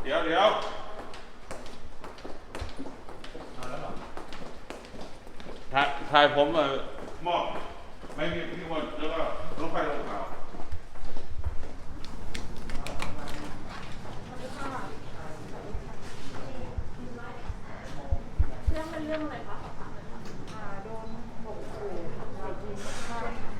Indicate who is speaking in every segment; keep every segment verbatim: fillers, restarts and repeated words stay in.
Speaker 1: ดี๋ยวเดี๋ยวถ่ายถ่ายผมเออมอบไม่มีที่คนแล้วก็รถไฟลงขาว
Speaker 2: เรื่องเป็นเรื่องอะไรคะอ่าโดนข่มขู่เรายิงฆ่าค่ะ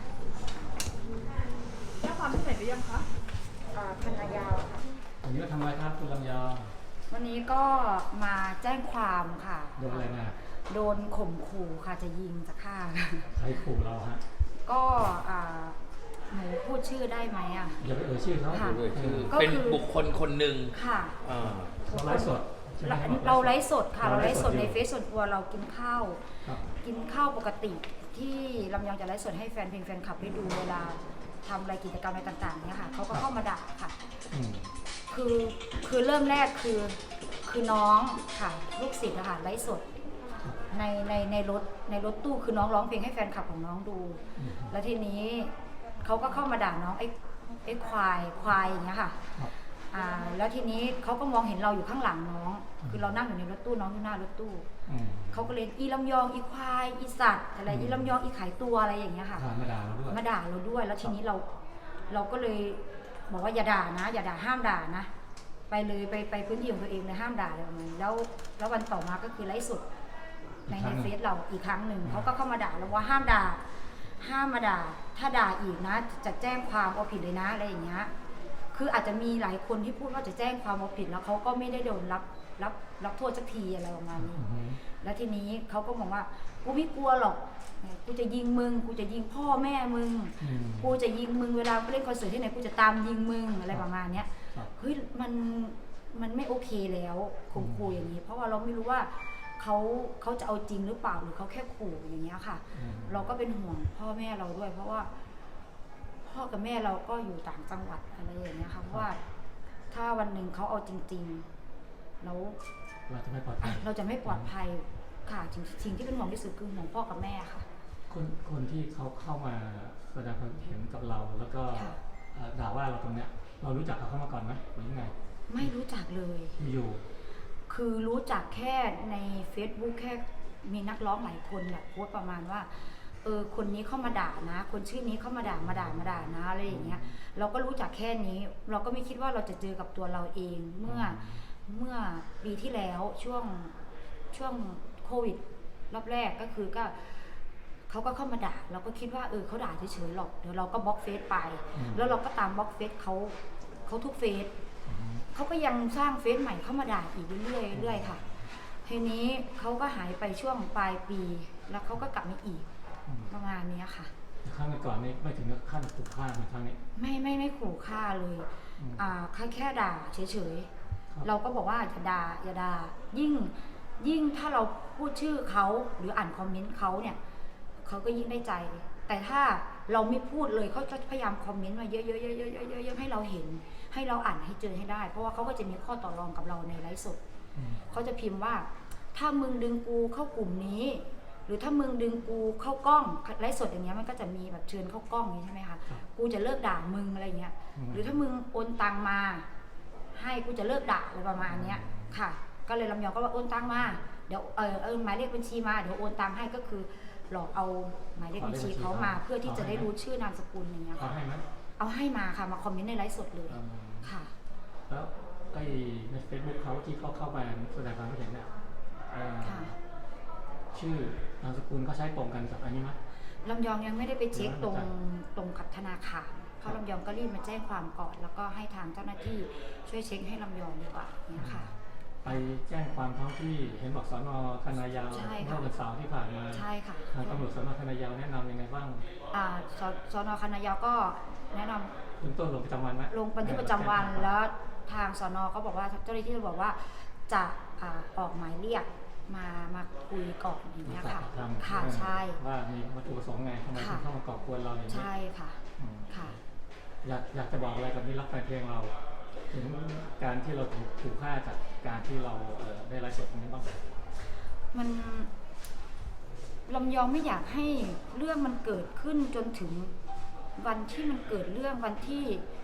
Speaker 2: แจ้งความที่ไหนหรือยังคะอ่าคันนายาวค่ะ
Speaker 3: วันนี้มาทำอะไรครับคุณลำยอง
Speaker 2: วันนี้ก็มาแจ้งความค่ะ
Speaker 3: โดนอะไรมา
Speaker 2: โดนข่มขู่ค่ะจะยิงจะฆ่า
Speaker 3: ใครขู่เราฮะ
Speaker 2: ก็อ่าหนูพูดชื่อได้ไหมอ่ะ
Speaker 3: อย่าไปเอ่ยชื่อเขา
Speaker 2: ค่ะ
Speaker 4: ด้วยคือ
Speaker 2: ก็คือ
Speaker 4: เป็นบุคคลคนหนึ่ง
Speaker 2: ค่ะ
Speaker 4: อ่า
Speaker 3: เขาไลฟ์สดใช่ไหม
Speaker 2: เราเราไลฟ์สดค่ะเราไลฟ์สดในเฟซส่วนตัวเรากินข้าว
Speaker 3: ครับ
Speaker 2: กินข้าวปกติที่ลำยองจะไลฟ์สดให้แฟนเพลงแฟนคลับได้ดูเวลาทำอะไรกิจกรรมอะไรต่างๆเนี่ยค่ะเขาก็เข้ามาด่าค่ะ
Speaker 3: อืม
Speaker 2: คือคือเริ่มแรกคือคือน้องค่ะลูกศิษย์นะคะไลฟ์สดในในในรถในรถตู้คือน้องร้องเพลงให้แฟนคลับของน้องดู
Speaker 3: อืม
Speaker 2: แล้วทีนี้เขาก็เข้ามาด่าน้องไอ้ไอ้ควายควายอย่างเงี้ยค่ะ
Speaker 3: ครับ
Speaker 2: อ่าแล้วทีนี้เขาก็มองเห็นเราอยู่ข้างหลังน้อง คือเรานั่งอยู่ในรถตู้น้องอยู่หน้ารถตู้
Speaker 3: อืม
Speaker 2: เขาก็เลยอีลำยองอีควายอีสัตว์อะไร
Speaker 3: อืม
Speaker 2: อีลำยองอีขายตัวอะไรอย่างเงี้ยค่ะ
Speaker 3: พามาด่าเราด้วย
Speaker 2: มาด่าเราด้วยแล้วทีนี้เราเราก็เลยบอกว่าอย่าด่านะ อย่าด่าห้ามด่านะ ไปเลยไปไปพื้นที่ของตัวเองเลยห้ามด่าอะไรประมาณนี้แล้วแล้ววันต่อมาก็คือไลฟ์สดในในเฟซเราอีกครั้งหนึ่งเขาก็เข้ามาด่าเราว่าห้ามด่า ห้ามมาด่า ถ้าด่าอีกนะ จะแจ้งความเอาผิดเลยนะอะไรอย่างเงี้ยคืออาจจะมีหลายคนที่พูดว่าจะแจ้งความเอาผิดแล้วเขาก็ไม่ได้โดนรับรับรับโทษสักทีอะไรประมาณนี้
Speaker 3: อือฮึ
Speaker 2: แล้วทีนี้เขาก็บอกว่ากูไม่กลัวหรอกกูจะยิงมึงกูจะยิงพ่อแม่มึง
Speaker 3: อืม
Speaker 2: กูจะยิงมึงเวลาไปเล่นคอนเสิร์ตที่ไหนกูจะตามยิงมึงอะไรประมาณเนี้ย
Speaker 3: ครับ
Speaker 2: เฮ้ยมันมันไม่โอเคแล้วข่มขู่อย่างนี้ เพราะว่าเราไม่รู้ว่าเขาเขาจะเอาจริงหรือเปล่าหรือเขาแค่ขู่อย่างเงี้ยค่ะ
Speaker 3: อืม
Speaker 2: เราก็เป็นห่วงพ่อแม่เราด้วย เพราะว่า พ่อกับแม่เราก็อยู่ต่างจังหวัดอะไรอย่างเงี้ยค่ะเพราะว่าถ้าวันหนึ่งเขาเอาจริงๆแล้ว
Speaker 3: เราจะไม่ปลอดภัย
Speaker 2: เราจะไม่ปลอดภัยค่ะสิ่งสิ่งที่เป็นห่วงที่สุดคือห่วงพ่อกับแม่ค่ะ
Speaker 3: คนคนที่เขาเข้ามาแสดงความเห็นกับเรา แล้วก็
Speaker 2: ค่ะ
Speaker 3: เอ่อด่าว่าเราตรงเนี้ย เรารู้จักเขาเข้ามาก่อนไหมหรือยังไง
Speaker 2: ไม่รู้จักเลย
Speaker 3: อยู่
Speaker 2: คือรู้จักแค่ใน Facebook แค่มีนักร้องหลายคนแบบโพสต์ประมาณว่าเออคนนี้เข้ามาด่านะ คนชื่อนี้เข้ามาด่ามาด่ามาด่านะอะไรอย่างเงี้ยเราก็รู้จักแค่นี้ เราก็ไม่คิดว่าเราจะเจอกับตัวเราเองเมื่อเมื่อปีที่แล้วช่วงช่วงโควิดรอบแรกก็คือก็เขาก็เข้ามาด่าเราก็คิดว่าเออเขาด่าเฉยๆหรอกเดี๋ยวเราก็บล็อกเฟซไป
Speaker 3: อืม
Speaker 2: แล้วเราก็ตามบล็อกเฟซเขาเขาทุกเฟซ
Speaker 3: อืม
Speaker 2: เขาก็ยังสร้างเฟซใหม่เข้ามาด่าอีกเรื่อยๆเรื่อยๆค่ะ ทีนี้เขาก็หายไปช่วงปลายปี แล้วเขาก็กลับมาอีก
Speaker 3: อืม
Speaker 2: ประมาณนี้ค่ะ
Speaker 3: แต่ครั้งก่อนนี่ไม่ถึงกับขั้นถูกฆ่าเหมือนครั้งนี้
Speaker 2: ไม่ไม่ไม่ขู่ฆ่าเลย
Speaker 3: อืม
Speaker 2: อ่าแค่แค่ด่าเฉย
Speaker 3: ครับ
Speaker 2: ๆ เราก็บอกว่าอย่าด่าอย่าด่ายิ่งยิ่งถ้าเราพูดชื่อเขาหรืออ่านคอมเมนต์เขาเนี่ยเขาก็ยิ่งได้ใจ แต่ถ้าเราไม่พูดเลยเขาจะพยายามคอมเมนต์มาเยอะๆๆๆๆๆให้เราเห็น ให้เราอ่านให้เจอให้ได้ เพราะว่าเขาก็จะมีข้อต่อรองกับเราในไลฟ์สด
Speaker 3: อืม
Speaker 2: เขาจะพิมพ์ว่าถ้ามึงดึงกูเข้ากลุ่มนี้ หรือถ้ามึงดึงกูเข้ากล้องไลฟ์สดอย่างเงี้ยมันก็จะมีแบบเชิญเข้ากล้องอย่างนี้ใช่ไหมคะ
Speaker 3: ครับ
Speaker 2: กูจะเลิกด่ามึงอะไรเงี้ย
Speaker 3: อืม
Speaker 2: หรือถ้ามึงโอนตังมา ให้กูจะเลิกด่าอะไรประมาณเนี้ยค่ะ ก็เลยลำยองก็ว่าโอนตังมาเดี๋ยวเออเออหมายเลขบัญชีมาเดี๋ยวโอนตังให้ก็คือหลอกเอาหมายเลขบัญชีเขามาเพื่อที่จะได้รู้ชื่อนามสกุลอย่างเงี้ย
Speaker 3: เขา
Speaker 2: ค่ะ
Speaker 3: ให้ไหม
Speaker 2: เอาให้มาค่ะมาคอมเมนต์ในไลฟ์สดเลย
Speaker 3: อืม
Speaker 2: ค่ะ
Speaker 3: แล้วไอ้ในเฟซบุ๊กเขาที่เขาเข้ามาแสดงความคิดเห็นเนี่ยเอ่อ
Speaker 2: ค่ะ
Speaker 3: ชื่อนามสกุลเขาใช้ตรงกันกับอันนี้ไหม
Speaker 2: ลำยองยังไม่ได้ไปเช็คตรง
Speaker 3: ไม่เข้าใจ
Speaker 2: ตรงกับธนาคารเพราะลำยองก็รีบมาแจ้งความก่อน แล้วก็ให้ทางเจ้าหน้าที่ช่วยเช็คให้ลำยองดีกว่าเนี่ยค่ะ
Speaker 3: ไปแจ้งความท้องที่เห็นบอกสนคณะยาว
Speaker 2: ใช่ค่ะ
Speaker 3: เมื่อวันเสาร์ที่ผ่านมา
Speaker 2: ใช่ค่ะ
Speaker 3: ทางตำรวจสนคณะยาวแนะนำยังไงบ้าง
Speaker 2: อ่าสสนคณะยาวก็แนะนำ
Speaker 3: เบื้องต้นลงประจำวันไหม
Speaker 2: ลงบันทึกประจำวันแล้วทางสนก็บอกว่าเจ้าหน้าที่บอกว่าจะอ่าออกหมายเรียกมามาคุยก่อนอย่างเงี้ยค่ะ
Speaker 3: สอบปากคำ
Speaker 2: ค่ะใช่
Speaker 3: ว่ามีวัตถุประสงค์ไงทำไมถึงเข้ามาก่อกวนเราอย่างนี้
Speaker 2: ใช่ค่ะ
Speaker 3: อืม
Speaker 2: ค่ะ
Speaker 3: อยากอยากจะบอกอะไรกับมิตรรักแฟนเพลงเรา ถึงการที่เราถูกถูกฆ่าจากการที่เราเอ่อได้ไลฟ์สดตรงนี้บ้าง
Speaker 2: มันลำยองไม่อยากให้เรื่องมันเกิดขึ้นจนถึงวันที่มันเกิดเรื่องวันที่เขา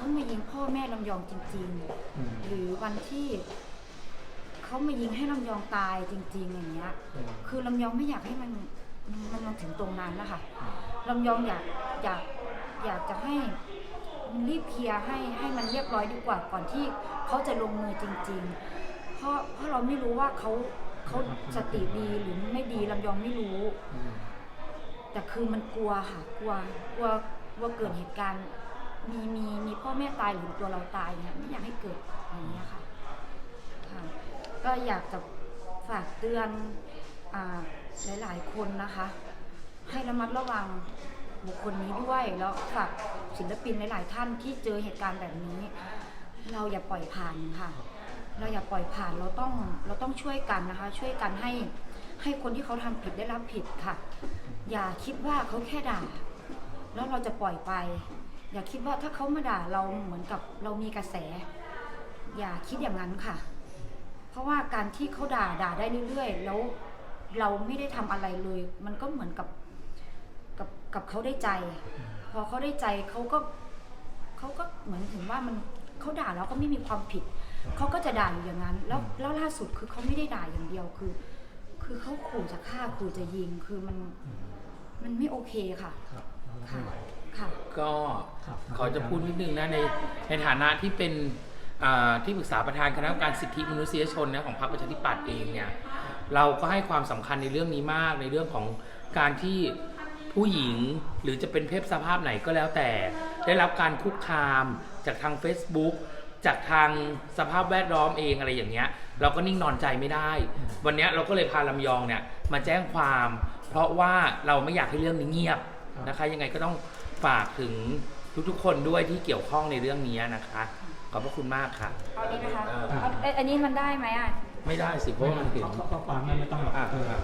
Speaker 2: เขามายิงพ่อแม่ลำยองจริง
Speaker 3: อืม
Speaker 2: ๆ หรือวันที่เขามายิงให้ลำยองตายจริง ๆ อย่างเงี้ย
Speaker 3: อืม
Speaker 2: คือลำยองไม่อยากให้มันมันมาถึงตรงนั้นนะคะลำยองอยากอยากอยากจะให้มันรีบเคลียร์ให้ให้มันเรียบร้อยดีกว่าก่อนที่เขาจะลงมือจริง ๆ เพราะเพราะเราไม่รู้ว่าเขาเขาสติดีหรือไม่ดีลำยองไม่รู้
Speaker 3: อืม
Speaker 2: แต่คือมันกลัวค่ะกลัวกลัวกลัวเกิดเหตุการณ์มีมีมีพ่อแม่ตายหรือตัวเราตายเนี่ยไม่อยากให้เกิดอย่างนี้ยค่ะค่ะก็อยากจะฝากเตือนอ่าหลายๆคนนะคะ ให้ระมัดระวังบุคคลนี้ด้วยแล้วฝากศิลปินหลายๆท่านที่เจอเหตุการณ์แบบนี้ เราอย่าปล่อยผ่านค่ะ เราอย่าปล่อยผ่านเราต้องเราต้องช่วยกันนะคะ ช่วยกันให้ให้คนที่เขาทำผิดได้รับผิดค่ะ อย่าคิดว่าเขาแค่ด่า แล้วเราจะปล่อยไป อย่าคิดว่าถ้าเขามาด่าเราเหมือนกับเรามีกระแส อย่าคิดอย่างนั้นค่ะ เพราะว่าการที่เขาด่าด่าได้เรื่อยๆแล้วเราไม่ได้ทำอะไรเลย มันก็เหมือนกับกับกับเขาได้ใจ พอเขาได้ใจเขาก็เขาก็เหมือนถึงว่ามันเขาด่าแล้วก็ไม่มีความผิดเขาก็จะด่าอยู่อย่างนั้น แล้วแล้วล่าสุดคือเขาไม่ได้ด่าอย่างเดียวคือ คือเขาขู่จะฆ่าขู่จะยิงคือมันมันไม่โอเคค่ะ
Speaker 3: ครับเราก็
Speaker 2: ค่ะ
Speaker 3: ไม่ไหว
Speaker 2: ค่ะ
Speaker 4: ก็
Speaker 3: ครับ
Speaker 4: ขอจะพูดนิดนึงนะในในฐานะที่เป็นอ่าที่ปรึกษาประธานคณะกรรมการสิทธิมนุษยชนนะของพรรคประชาธิปัตย์เองเนี่ยเราก็ให้ความสำคัญในเรื่องนี้มากในเรื่องของการที่ผู้หญิงหรือจะเป็นเพศสภาพไหนก็แล้วแต่ได้รับการคุกคามจากทาง Facebook จากทางสภาพแวดล้อมเองอะไรอย่างเงี้ยเราก็นิ่งนอนใจไม่ได้ วันเนี้ยเราก็เลยพาลำยองเนี่ยมาแจ้งความ เพราะว่าเราไม่อยากให้เรื่องนี้เงียบนะคะยังไงก็ต้องฝากถึงทุกๆคนด้วยที่เกี่ยวข้องในเรื่องนี้นะคะขอบพระคุณมากค่ะ
Speaker 2: เอานี้นะคะ
Speaker 4: เออ
Speaker 2: เอาเอ้ยอันนี้มันได้ไหมอ่ะ
Speaker 4: ไม่ได้สิเพราะว่ามันเห็น
Speaker 3: ข้อความนั้นไม่ต้องหรอก
Speaker 4: อ่า
Speaker 3: เออ
Speaker 4: อ่า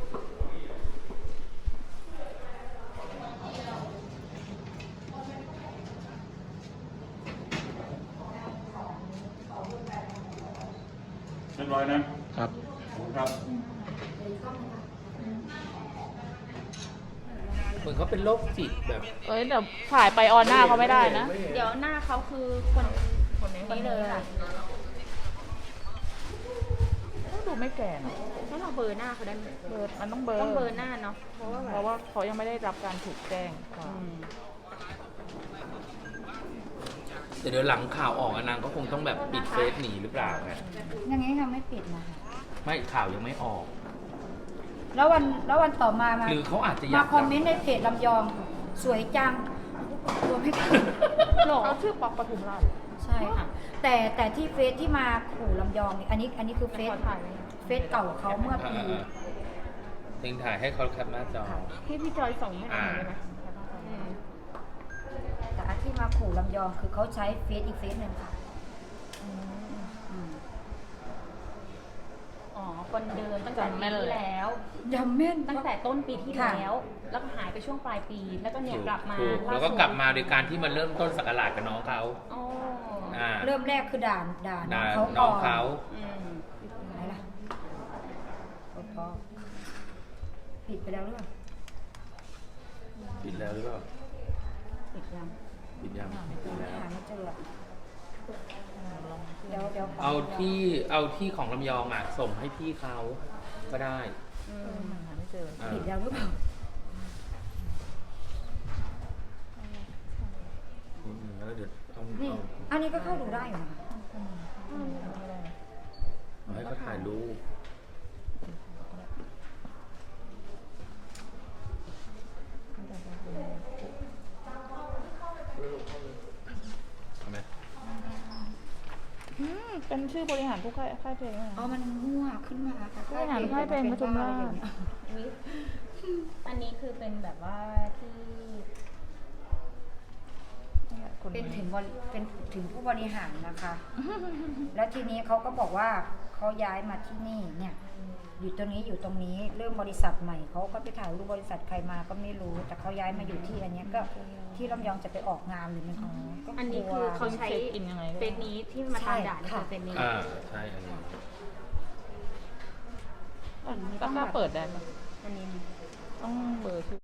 Speaker 1: เรียบร้อยนะครับ ครับ
Speaker 4: เหมือนเขาเป็นโรคจิตแบบ
Speaker 5: เอ้ยเดี๋ยวถ่ายไปออนหน้าเขาไม่ได้นะ
Speaker 6: เดี๋ยวหน้าเขาคือคนคนนี้เลยค่ะ
Speaker 5: ก็ดูไม่แก่นะ
Speaker 6: แล้วเราเบอร์หน้าเขาได้ไหม
Speaker 5: เบอร์มันต้องเบอร์
Speaker 6: ต้องเบอร์หน้าเนาะเพราะว่าแบ
Speaker 5: เพ
Speaker 6: บ
Speaker 5: ราะว่าเขายังไม่ได้รับการถูกแจ้งความ
Speaker 6: อืม
Speaker 4: แต่เดี๋ยวหลังข่าวออกอะนางก็คงต้องแบบปิดเฟซหนีหรือเปล่าไง
Speaker 2: อย่างนี้ค่ะไม่ปิดนะคะ
Speaker 4: ไม่ข่าวยังไม่ออก
Speaker 2: แล้ววันแล้ววันต่อมามา
Speaker 4: หรือเขาอาจจะอยาม
Speaker 2: าก คอมเมนต์ในเพจลำยอง สวยจังตัวไม่ถูก
Speaker 5: เขาชื่อป๊อกปทุมราช
Speaker 2: ใช่ค่ะ แต่แต่ที่เฟซที่มาขู่ลำยองนี่อันนี้อันนี้คือเฟซ
Speaker 5: ขอถ่ายไว้
Speaker 2: เฟซเก่าเขาเมื่อ
Speaker 4: อ่า
Speaker 2: ปี
Speaker 4: ๆทิ้งถ่ายให้เขาแคปหน้าจอ
Speaker 5: ที่พี่จอยส่งให้ดูได้ไหม
Speaker 6: อืม
Speaker 2: แต่อันที่มาขู่ลำยองคือเขาใช้เฟซอีกเฟซหนึ่งค่ะอืม
Speaker 6: อ๋อคนเดิมตั้งแต่ปีที่แล้ว
Speaker 2: ยำแม่น
Speaker 6: ตั้งแต่ต้นปีที่
Speaker 2: ค่ะ
Speaker 6: แล้ว แล้วก็หายไปช่วงปลายปี แล้วก็เนี่ยกลับมา
Speaker 4: ถูกแล้วก็กลับมาโดยการที่มันเริ่มต้นสักราชกับน้องเขา
Speaker 6: อ๋อ
Speaker 4: อ่า
Speaker 2: เริ่มแรกคือด่านด่าน้
Speaker 4: ด่า
Speaker 2: องเขา
Speaker 4: น้
Speaker 2: ก่
Speaker 4: อ
Speaker 2: อง น
Speaker 4: เขา
Speaker 6: อืม
Speaker 2: ไหนล่ะกดพอปิดไปแล้วหรือเปล่า
Speaker 4: ปิดแล้วหรือเปล่า
Speaker 2: ปิดยัง
Speaker 4: ปิดยังปิดแล้ว
Speaker 2: หาไม่เจออะเดี๋ยวเดี๋ยวข
Speaker 4: เอาที่เอาที่ของลำยองอ่ะส่งให้พี่เขาก็ได้
Speaker 6: อืม
Speaker 5: มันหาไม่เจอ
Speaker 4: อ่า
Speaker 2: ปิดแล้วหรือเปล่า
Speaker 4: อืมๆแล้วเดี๋ยวเอา
Speaker 2: นี่
Speaker 4: เอา
Speaker 2: อันนี้ก็เข้าดูได้อยู่นะคะ
Speaker 4: เอาให้เขาถ่ายรูปเอาไหม
Speaker 5: อืมเป็นชื่อบริหารผู้ค่ายค่ายเพลงนะ
Speaker 2: อ๋อมันมั่วขึ้นมาค่ะ
Speaker 5: ผู้บริหารค่ายเพลงปทุมราช
Speaker 6: อุ๊ยอันนี้คือเป็นแบบว่าที่
Speaker 5: เนี่ยคน
Speaker 2: เป็นถึงบริเป็นถึงผู้บริหารนะคะ แล้วทีนี้เขาก็บอกว่าเขาย้ายมาที่นี่เนี่ย อยู่ตรงนี้อยู่ตรงนี้เริ่มบริษัทใหม่เขาก็ไปถ่ายรูปบริษัทใครมาก็ไม่รู้ แต่เขาย้ายมาอยู่ที่อันเนี้ยก็ที่ลำยองจะไปออกงานหรือมันก็
Speaker 6: อันนี้คือเขาใช้
Speaker 5: เช็คอินยังไง
Speaker 6: เฟซนี้ที่มาทำด่านี่คือเฟซนี้
Speaker 4: อ่าใช่อันนี้
Speaker 5: ก็กล้าเปิดได้ปะ
Speaker 6: อันนี้
Speaker 5: ต้องเบอร์ชื่อ